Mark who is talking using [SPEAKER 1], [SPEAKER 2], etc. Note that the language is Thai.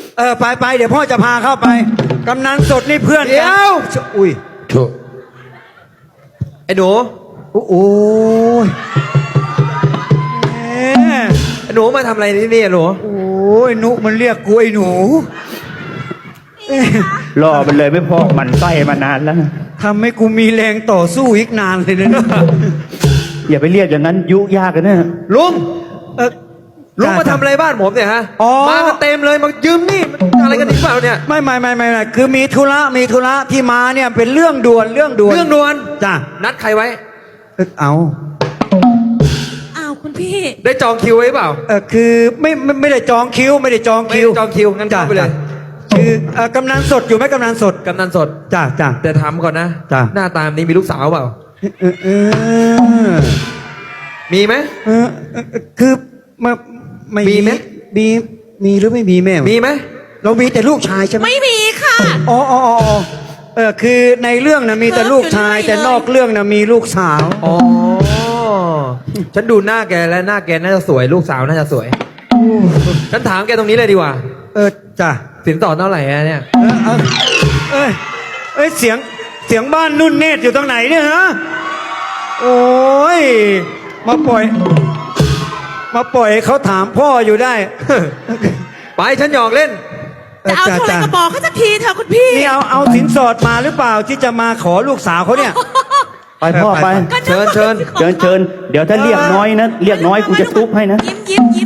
[SPEAKER 1] ไปเดี๋ยวพ่อจะพาเข้าไปกำนันสดนี่เพื่อน
[SPEAKER 2] เดี๋
[SPEAKER 1] กั
[SPEAKER 2] ยว
[SPEAKER 1] อุ้ย
[SPEAKER 2] โถไอ้หนู
[SPEAKER 1] โอ้ยแหม
[SPEAKER 2] ไอ้หนูมาทำอะไรที่นี่อะหนู
[SPEAKER 1] โอ้ยนุมันเรียกกูไอ้หนู
[SPEAKER 3] รอมันเลยไม่พอมันไส้มานานแล้ว
[SPEAKER 1] ทำให้กูมีแรงต่อสู้อีกนานเลยนะ
[SPEAKER 3] อย่าไปเรียกอย่างนั้นยุยากกันนะ
[SPEAKER 2] ลุง
[SPEAKER 1] เออ
[SPEAKER 2] ลุงมาทำอะไรบ้านผมเนี่ยฮะ
[SPEAKER 1] อ๋อ
[SPEAKER 2] มากันเต็มเลยมายืมนี่มันอะไรกันอีกเปล่าเนี่ย
[SPEAKER 1] ไม่คือมีธุระที่มาเนี่ยเป็นเรื่องด่วน
[SPEAKER 2] เรื่องด่วน
[SPEAKER 1] จ้ะ
[SPEAKER 2] นัดใครไว้
[SPEAKER 1] เอา
[SPEAKER 4] อ้าวคุณพี่
[SPEAKER 2] ได้จองคิวไว้เปล่า
[SPEAKER 1] คือไม่ได้จองคิวไม่ได้จองคิว
[SPEAKER 2] ไม่ได้จองคิวงั้นเข้าไปเลย
[SPEAKER 1] คือกำนันสดอยู่ไหมกำนันสด
[SPEAKER 2] กำนันสด
[SPEAKER 1] จ้ะ
[SPEAKER 2] แต่ถามก่อนนะ
[SPEAKER 1] จ้ะ
[SPEAKER 2] หน้าตามนี้มีลูกสาวเปล่า
[SPEAKER 1] เออ
[SPEAKER 2] มีไหม
[SPEAKER 1] คือไม่
[SPEAKER 2] มีไหม
[SPEAKER 1] มีหรือไม่มีแม่
[SPEAKER 2] มีไหม
[SPEAKER 1] เรามีแต่ลูกชายใช่ไหม
[SPEAKER 4] ไม่มีค่ะ
[SPEAKER 1] อ๋อคือในเรื่องนะมีแต่ลูกชาย
[SPEAKER 4] อยู่ด้วย
[SPEAKER 1] แต่นอกเรื่องนะมีลูกสาว
[SPEAKER 2] อ๋อ ฉันดูหน้าแกแล้วหน้าแกน่าจะสวยลูกสาวน่าจะสวย ฉันถามแกตรงนี้เลยดีกว่า
[SPEAKER 1] จ้ะ
[SPEAKER 2] สินสอดเท่าไหร่อะเนี่ย
[SPEAKER 1] เสียงบ้านนุ่นเนตรอยู่ตรงไหนเนี่ยฮะโอ้ยมาปล่อยให้เขาถามพ่ออยู่ได้
[SPEAKER 2] ไปฉันหยอกเล่น
[SPEAKER 4] จะเอาเท่าไหร่ก็บอกเขาสักทีเถอะคุณพี่
[SPEAKER 1] นี่เอาสินสอดมาหรือเปล่าที่จะมาขอลูกสาวเขาเนี่ย
[SPEAKER 3] ไปพ่อไป
[SPEAKER 2] เชิญ
[SPEAKER 3] เชิญเดี๋ยวถ้าเรียกน้อยนะเรียกน้อยกูจะทุบให้นะ
[SPEAKER 4] ยิ้ม